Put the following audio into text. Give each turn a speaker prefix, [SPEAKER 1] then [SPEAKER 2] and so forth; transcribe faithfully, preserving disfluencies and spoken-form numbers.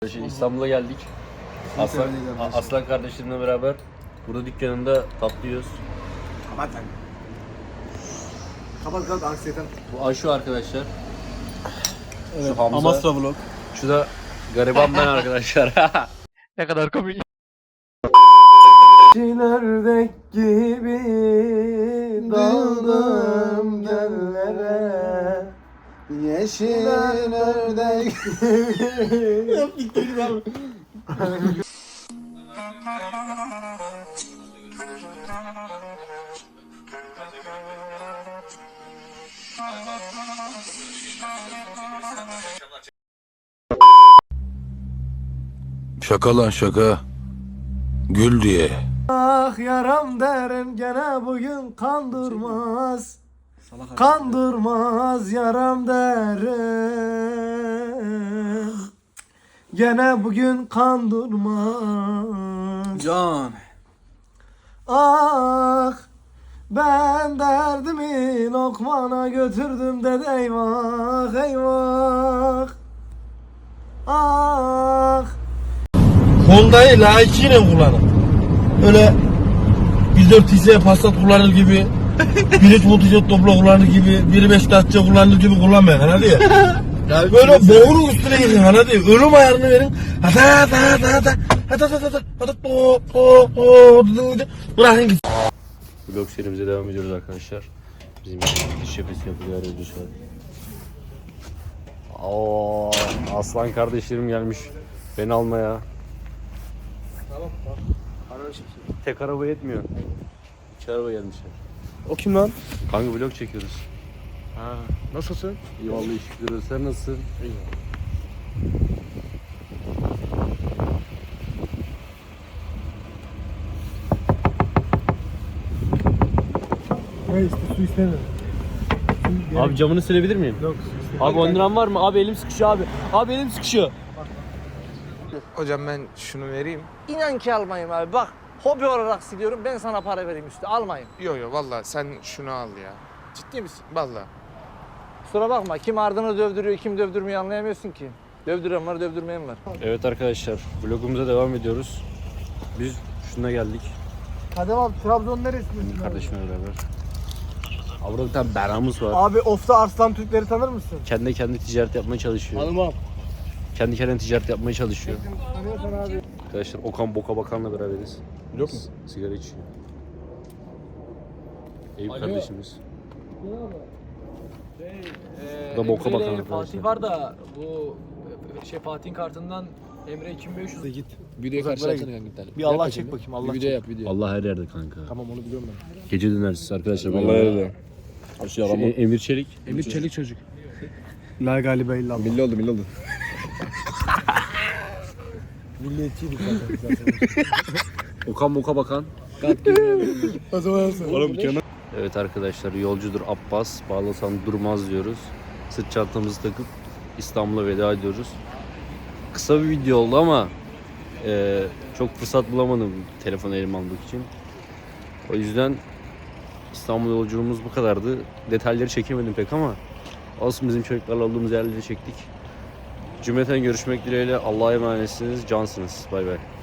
[SPEAKER 1] İstanbul'a geldik. Aslan, Aslan kardeşlerimle beraber burada dükkanında tatlı yiyoruz.
[SPEAKER 2] Kapat lan. Kapat kapat anksiyeten.
[SPEAKER 1] Bu Ayşu arkadaşlar.
[SPEAKER 2] Evet,
[SPEAKER 1] Şu Hamza.
[SPEAKER 2] Amasra vlog.
[SPEAKER 1] Şu da gariban ben arkadaşlar. Ne kadar komik.
[SPEAKER 2] Ördek gibi daldım göllere. Yeşil ördek gibi.
[SPEAKER 3] Şaka lan şaka. Gül diye.
[SPEAKER 2] Ah yaram derim gene bugün kan durmaz. Kan durmaz yaram derim. Gene bugün kan durmaz.
[SPEAKER 4] Can.
[SPEAKER 2] Ah ben derdimi Lokman'a götürdüm de eyvah eyvah. Ah
[SPEAKER 4] Honda'yı layıkıyla kullanın. Öyle bir dört T C Passat kullanır gibi, bir üç motosiklet topla kullanır gibi, bir beş Dacia kullanır gibi kullanmayın anladın ya. Böyle boğulun üstüne gidin anladın ya. Ölüm ayarını verin. Hata hata hata hata hata hata hata hata po po po bırakın gitsin.
[SPEAKER 1] Vlog serimize devam ediyoruz arkadaşlar. Bizim diş şefesi yapılıyor arıyordu şu an. Oo, Aslan kardeşlerim gelmiş beni almaya.
[SPEAKER 2] tamam tamam.
[SPEAKER 1] Tek araba yetmiyor. İki araba gelmişler.
[SPEAKER 2] O kim lan?
[SPEAKER 1] Kanka vlog çekiyoruz.
[SPEAKER 2] Ha, nasılsın?
[SPEAKER 1] İyi vallahi şükür. Sen nasılsın? İyi.
[SPEAKER 2] Ne işte su istemiyorum.
[SPEAKER 1] Abi camını silebilir miyim?
[SPEAKER 2] Yok.
[SPEAKER 1] Abi on liram var mı? Abi elim sıkışıyor abi. Abi elim sıkışıyor.
[SPEAKER 5] Hocam ben şunu vereyim.
[SPEAKER 6] İnan ki almayayım abi. Bak hobi olarak siliyorum. Ben sana para vereyim üstü. Almayayım.
[SPEAKER 5] Yo yo valla sen şunu al ya.
[SPEAKER 6] Ciddi misin?
[SPEAKER 5] Valla.
[SPEAKER 6] Kusura bakma. Kim ardını dövdürüyor, kim dövdürmüyor anlayamıyorsun ki. Dövdüren var, dövdürmeyen var.
[SPEAKER 1] Evet arkadaşlar vlogumuza devam ediyoruz. Biz şuna geldik.
[SPEAKER 2] Hadi abi Trabzon neresinde?
[SPEAKER 1] Kardeşimle beraber. Abi burada bir tane beramız var.
[SPEAKER 2] Abi Of'ta Arslan Türkleri tanır mısın?
[SPEAKER 1] Kendi kendi ticaret yapmaya çalışıyor.
[SPEAKER 2] Tanımam.
[SPEAKER 1] Kendi kendine ticaret yapmaya çalışıyor.
[SPEAKER 2] Tanıyorsan abi.
[SPEAKER 1] Arkadaşlar Okan Boka Bakan'la beraberiz.
[SPEAKER 4] Yok mu?
[SPEAKER 1] Sigara içiyor. Eyüp kardeşimiz. Bu da Boka Bakan arkadaşlar.
[SPEAKER 7] Fatih var da bu şey Fatih'in kartından Emre iki bin beş yüz
[SPEAKER 4] Git. Videoyu karşılatsana kanka gidelim.
[SPEAKER 2] Bir Allah çek bakayım Allah
[SPEAKER 4] Bir video
[SPEAKER 2] çek.
[SPEAKER 4] yap video.
[SPEAKER 1] Allah her yerde kanka.
[SPEAKER 2] Tamam onu biliyorum ben.
[SPEAKER 1] Gece dönersiz arkadaşlar.
[SPEAKER 4] Vallahi öyle. Şey
[SPEAKER 1] Şey, Emir Çelik.
[SPEAKER 4] Emir Çelik çocuk.
[SPEAKER 2] La galiba illallah.
[SPEAKER 4] Milli oldu milli oldu.
[SPEAKER 2] Milliyetçiydik zaten.
[SPEAKER 1] Okan Boka Bakan.
[SPEAKER 2] O zaman
[SPEAKER 4] Oğlum kenar.
[SPEAKER 1] Evet arkadaşlar yolcudur Abbas. Bağlasan durmaz diyoruz. Sırt çantamızı takıp İstanbul'a veda ediyoruz. Kısa bir video oldu ama e, çok fırsat bulamadım telefonu elime almak için. O yüzden İstanbul yolculuğumuz bu kadardı. Detayları çekemedim pek ama olsun, bizim çocuklarla olduğumuz yerleri çektik. Cümleten görüşmek dileğiyle. Allah'a emanetsiniz. Cansınız. Bay bay.